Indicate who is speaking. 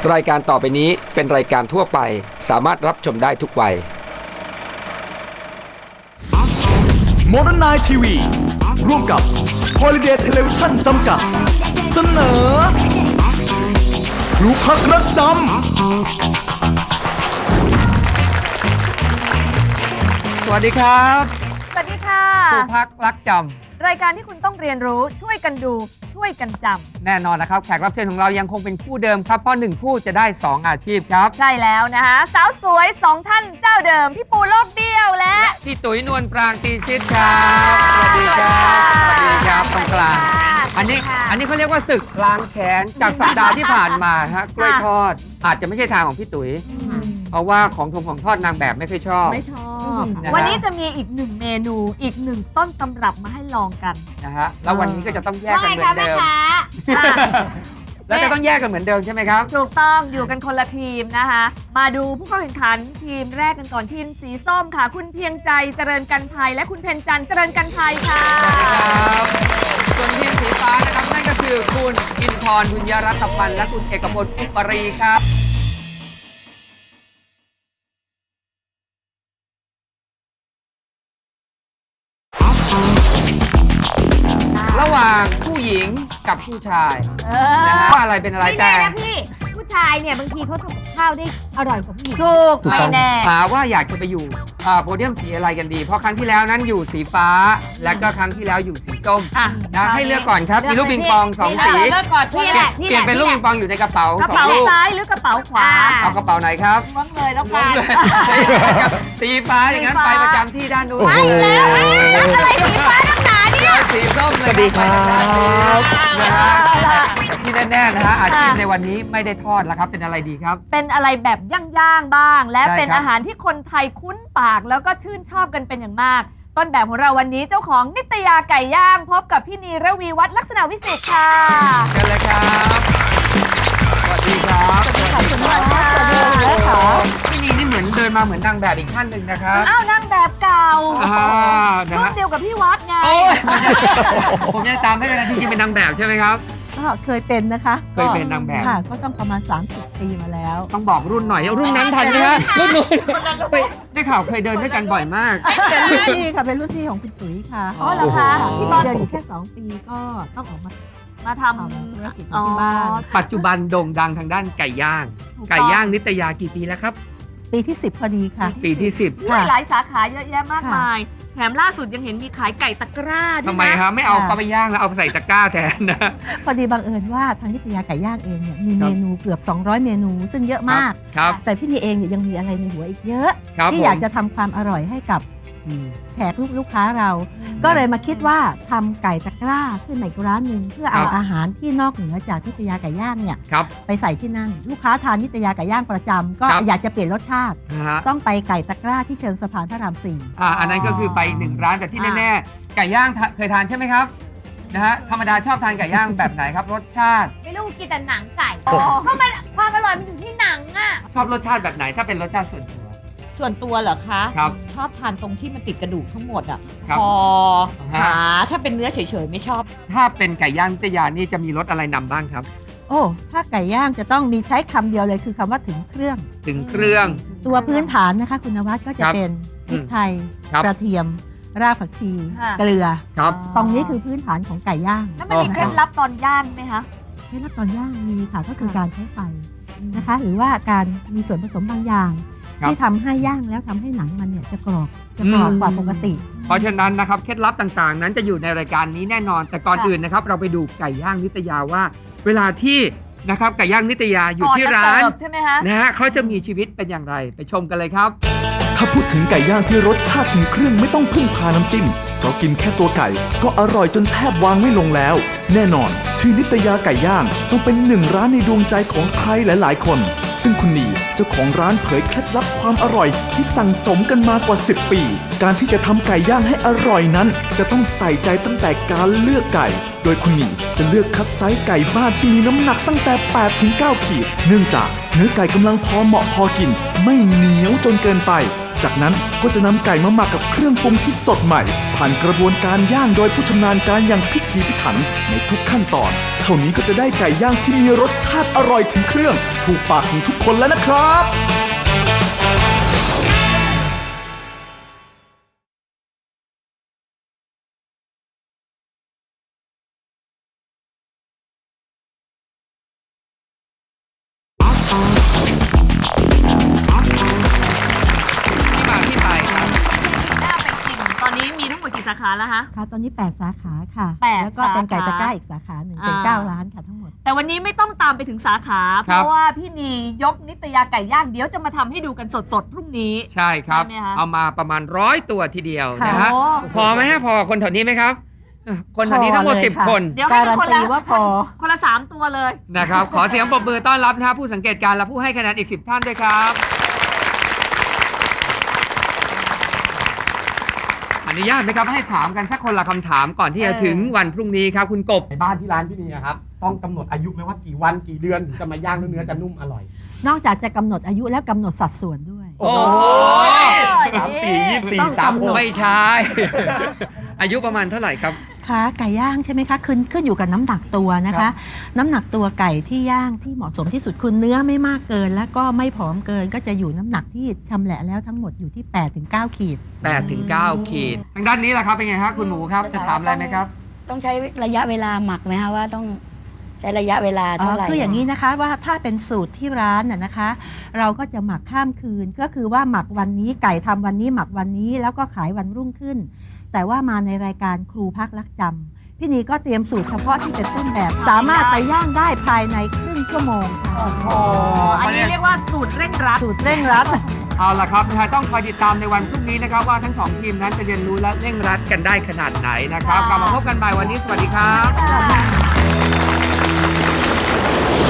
Speaker 1: รายการต่อไปนี้เป็นรายการทั่วไปสามารถรับชมได้ทุกวัย
Speaker 2: Modern Night TV ร่วมกับ Holiday Television จำกัดเสนอครูพักรักจำ
Speaker 3: สวัสดีครับ
Speaker 4: สวัสดีค่ะ
Speaker 3: ครูพักรักจำ
Speaker 4: รายการที่คุณต้องเรียนรู้ช่วยกันดูช่วยกันจ
Speaker 3: แน่นอนนะครับแขกรับเชิญของเรายังคงเป็นคู่เดิมครับเพราะ1คู่จะได้2อาชีพครับ
Speaker 4: ำใช่แล้วนะคะสาวสวย2ท่านเจ้าเดิมพี่ปูโลกเบี้ยวและ
Speaker 3: พี่ตุ๋ยนวลปรางตีชิดครับสวัสดีครับสวัสดีครับตรงกลางอันนี้เขาเรียกว่าศึกล้างแค้นจากสัปดาห์ที่ผ่านมาฮะกล้วยทอดอาจจะไม่ใช่ทางของพี่ตุ๋ยเพราะว่าของทอดนางแบบไม่เคยชอบ
Speaker 4: วันนี้จะมีอีก1เมนูอีก1ต้นตำรับมาให้ลองกัน
Speaker 3: นะฮะแล้ววันนี้ก็จะต้องแยกกันเหมือนเดิมแล้วจะต้องแยกกันเหมือนเดิมใช่ไหมครับ
Speaker 4: ถูกต้องอยู่กันคนละทีมนะคะมาดูผู้เข้าแข่งขันทีมแรกกันก่อนทีมสีส้มค่ะคุณเพียงใจเจริญกันภัยและคุณเพ็ญจันทร์เจริญกันภัยค่ะ
Speaker 3: ส่วนทีมสีฟ้านะครับนั่นก็คือคุณอินทร์บุญยรัตพันธ์และคุณเอกพลอุปรีครับระหว่างผู้หญิงกับผู้ชายว่าอะไรเป็นอะไรแต่
Speaker 5: ไม่แน่นะพี่ผู้ชายเนี่ยบางทีเขาทำกับข้าวได้อร่อยกว่าผู้หญิง
Speaker 4: ถูกไม่แน่
Speaker 3: หาว่าอยากจะไปอยู่โพเดียมสีอะไรกันดีเพราะครั้งที่แล้วนั้นอยู่สีฟ้าและก็ครั้งที่แล้วอยู่สีส้มนะให้เลือกก่อนครับมีลูกปิงปอง2สี
Speaker 5: เลือกก่อนพี่แหละ
Speaker 3: เปลี่ยนเป็นลูกปิงปองอยู่ในกระเป๋าก
Speaker 4: ระเป๋าซ้ายหรือกระเป๋าขวา
Speaker 3: เอากระเป๋าไหนครับ
Speaker 5: ล้วงเลยแล้วกัน
Speaker 3: สีฟ้าอย่างนั้นไปประจำที่ด้านนู้น
Speaker 5: ไปแล้วอะไรสีฟ้าตั้งนานเนี่ย
Speaker 3: สีส้มเลยดีครับนะฮะที่แน่ๆนะฮะอาชีพในวันนี้ไม่ได้ทอดแล้วครับเป็นอะไรดีครับ
Speaker 4: เป็นอะไรแบบย่างๆบ้างและเป็นอาหารที่คนไทยคุ้นปากแล้วก็ชื่นชอบกันเป็นอย่างมากต้นแบบของเราวันนี้เจ้าของนิตยาไก่ย่างพบกับพี่นีระวีวัฒน์ลักษณะวิสิทธิ์ค่ะ
Speaker 3: เชิญเลยครับสวัสดีครับ
Speaker 4: ขอบคุณมากค่ะสวัสดีค่ะ
Speaker 3: พี่นีนี่เหมือนเดินมาเหมือนนางแบบอีกท่านหนึ่งนะครับ
Speaker 4: อ้าวนางแบบเก่ารุ่นเดียวกับพี่วัดไง
Speaker 3: ผมยังตามไม่ได้จริงๆเป็นนางแบบใช่ไหมครับ
Speaker 6: ก็เคยเป็นนะคะ
Speaker 3: เคยเป็นนางแบบ
Speaker 6: ค่ะก็ต้องประมาณ30 ปีมาแล้ว
Speaker 3: ต้องบอกรุ่นหน่อยรุ่นนั้นทันไหมฮะรุ่นนู้นได้ข่าวเคยเดินด้วยกันบ่อยมาก
Speaker 6: เป็นรุ่นพี่ค่ะเป็นรุ่นพี่ของคุณตุ๋ยค่ะ
Speaker 4: อ๋อเหรอคะ
Speaker 6: พี่ตอนเดินอยู่แค่2 ปีก็ต้องออกมา
Speaker 4: ทำ
Speaker 6: ธุรกิจที่บ้าน
Speaker 3: ปัจจุบันโด่งดังทางด้านไก่ย่างนิตยากี่ปีแล้วครับ
Speaker 6: ปีที่10พอดีค่ะ
Speaker 3: ปีที่10
Speaker 4: หลายสาขาเยอะแยะมากมายแถมล่าสุดยังเห็นมีขายไก่ตะกร้าด้วยนะ
Speaker 3: ทำไมครับไม่เอาเข้าไปย่างแล้วเอาใส่ตะกร้าแทนนะ
Speaker 6: พอดีบังเอิญว่าทางนิตยาไก่ย่างเองเนี่ยมีเมนูเกือบ200เมนูซึ่งเยอะมากแต่พี่นีเองเนี่ยยังมีอะไรในหัวอีกเยอะที่อยากจะทำความอร่อยให้กับแขกลูกค้าเราก็เลยมาคิดว่าทำไก่ตะกร้าขึ้นในร้านหนึ่งเพื่อเอาอาหารที่นอกเหนือจากนิตยาไก่ย่างเนี่ยไปใส่ที่นั่นลูกค้าทานนิตยาไก่ย่างประจำก็อยากจะเปลี่ยนรสชาติต้องไปไก่ตะกร้าที่เชิงสะพานพระราม4
Speaker 3: อันนั้นก็คือไป1ร้านแต่ที่แน่ๆไก่ย่างเคยทานใช่ไหมครับนะฮะธรรมดาชอบทานไก่ย่างแบบไหนครับรสชาติ
Speaker 5: ไม่รู้กินแต่หนังไก่เพราะมันความอร่อยมันอยู่ที่หนังอ่ะ
Speaker 3: ชอบรสชาติแบบไหนถ้าเป็นรสชาติ
Speaker 7: ส่วนตัวเหรอคะ
Speaker 3: ครับ
Speaker 7: ชอบทานตรงที่มันติดกระดูกทั้งหมดอ่ะคอขาถ้าเป็นเนื้อเฉยๆไม่ชอบ
Speaker 3: ถ้าเป็นไก่ย่างนิตยานี่จะมีรสอะไรนำบ้างครับ
Speaker 6: โอ้ถ้าไก่ย่างจะต้องมีใช้คำเดียวเลยคือคำว่าถึงเครื่องตัวพื้นฐานนะคะคุณนวัดก็จะเป็นพริกไทยกระเทียมรากผักชีเกลือตรงนี้คือพื้นฐานของไก่ย่าง
Speaker 4: แล้วมันมีเคล็ดลับตอนย่างไหมคะ
Speaker 6: เคล็ดลับตอนย่างมีค่ะก็คือการใช้ไฟนะคะหรือว่าการมีส่วนผสมบางอย่างที่ทำให้ย่างแล้วทำให้หนังมันเนี่ยจะกรอบกว่าปกติ
Speaker 3: เพราะฉะนั้นนะครับเคล็ดลับต่างๆนั้นจะอยู่ในรายการนี้แน่นอนแต่ก่อนอื่นนะครับเราไปดูไก่ย่างนิตยาว่าเวลาที่นะครับไก่ย่างนิตยาอยู่ที่ร้านนะฮะเขาจะมีชีวิตเป็นอย่างไรไปชมกันเลยครับ
Speaker 2: ถ้าพูดถึงไก่ย่างที่รสชาติถึงเครื่องไม่ต้องพึ่งพาน้ำจิ้มเพราะกินแค่ตัวไก่ก็อร่อยจนแทบวางไม่ลงแล้วแน่นอนชื่อนิตยาไก่ย่างต้องเป็น1ร้านในดวงใจของใครหลายๆคนซึ่งคุณนีเจ้าของร้านเผยเคล็ดลับความอร่อยที่สั่งสมกันมากว่า10 ปีการที่จะทำไก่ย่างให้อร่อยนั้นจะต้องใส่ใจตั้งแต่การเลือกไก่โดยคุณนีจะเลือกคัดไซส์ไก่บ้านที่มีน้ำหนักตั้งแต่ 8-9 ขีดเนื่องจากเนื้อไก่กำลังพอเหมาะพอกินไม่เหนียวจนเกินไปจากนั้นก็จะนำไก่มาหมักกับเครื่องปรุงที่สดใหม่ ผ่านกระบวนการย่างโดยผู้ชำนาญการอย่างพิถีพิถันในทุกขั้นตอน เท่านี้ก็จะได้ไก่ย่างที่มีรสชาติอร่อยถึงเครื่อง ถูกปากของทุกคนแล้วนะครับ
Speaker 3: ที่มาที่ไปครับ
Speaker 4: น่าไปกินตอนนี้มีทั้งหมดกี่สาขาแล้วคะ
Speaker 6: ค่ะตอนนี้ 8 สาขาค่ะ
Speaker 4: 8
Speaker 6: แล้วก็เป็นไก่
Speaker 4: สาขา
Speaker 6: ตะกร้าอีกสาขาหนึ่งเป็น 9 ร้านค่ะทั้งหมด
Speaker 4: แต่วันนี้ไม่ต้องตามไปถึงสาขา เพราะว่าพี่นียกนิตยาไก่ย่างเดี๋ยวจะมาทำให้ดูกันสดๆพรุ่งนี้
Speaker 3: ใช่ครับ
Speaker 4: ใช่ไหมคะ
Speaker 3: เอามาประมาณ100 ตัวทีเดียว
Speaker 6: ค่ะ
Speaker 3: นะฮะ
Speaker 4: โอ้
Speaker 3: พอไหมฮะพอคนแถวนี้ไหมครับคนแถวนี้ทั้งหมด
Speaker 6: พอเลยค่ะ
Speaker 3: 10 คน
Speaker 4: เดี๋ยวให้
Speaker 6: การัน
Speaker 4: คน
Speaker 6: ตี
Speaker 4: ละ
Speaker 6: ว่าพอ
Speaker 4: คนละ 3 ตัวเลย
Speaker 3: นะครับ ขอเสียงปรบมือต้อนรับนะฮะผู้สังเกตการณ์และผู้ให้คะแนนอีก 10 ท่านด้วยครับอนุญาตไหมครับให้ถามกันสักคนละคำถามก่อนที่จะถึงวันพรุ่งนี้ครับคุณกบ
Speaker 8: ในบ้านที่ร้านพี่นีอะครับต้องกำหนดอายุไหมว่ากี่วันกี่เดือนถึงจะมาย่างแล้วเนื้อจะนุ่มอร่อย
Speaker 6: นอกจากจะกำหนดอายุแล้วกำหนดสัดส่วนด้วย
Speaker 3: โอ้ย
Speaker 8: 34 24 36
Speaker 3: ไม่ใช่ อายุประมาณเท่าไหร่ครับ
Speaker 6: ค่ะไก่ย่างใช่ไหมคะขึ้นอยู่กับน้ำหนักตัวนะ
Speaker 8: ครั
Speaker 6: คะ
Speaker 8: บ
Speaker 6: น้ำหนักตัวไก่ที่ย่างที่เหมาะสมที่สุดคือเนื้อไม่มากเกิน แล้วก็ไม่ผอมเกินก็จะอยู่น้ำหนักที่ชำแหละแล้วทั้งหมดอยู่ที่ 8-9 ขีด
Speaker 3: 8 ถึง 9 ขีด ทางด้านนี้แหละครับเป็นไงครับคุณหมูครับ จะถามอะไรไหมครับ
Speaker 9: ต้องใช้ระยะเวลาหมักไหมคะว่าต้องใช้ระยะเวลาเท่าไหร่
Speaker 6: คืออย่างนี้นะคะว่าถ้าเป็นสูตรที่ร้านน่ะนะคะ เราก็จะหมักข้ามคืนก็คือว่าหมักวันนี้ไก่ทำวันนี้หมักวันนี้แล้วก็ขายวันรุ่งขึ้น แต่ว่ามาในรายการครูพักรักจำพี่นีก็เตรียมสูตรเฉพาะที่เป็นต้นแบบ สามารถไปย่างได้ภายในครึ่งชั่วโมงค่ะ
Speaker 4: โอ้อันนี้เรียกว่าสูตรเร่งรัด
Speaker 6: สูตรเร่งรัด
Speaker 3: เอาล่ะครับต้องคอยติดตามในวันพรุ่งนี้นะครับว่าทั้งสองทีมนั้นจะเรียนรู้และเร่งรัดกันได้ขนาดไหนนะครับกลับมาพบกันใหม่วันนี้สวัสดีครับ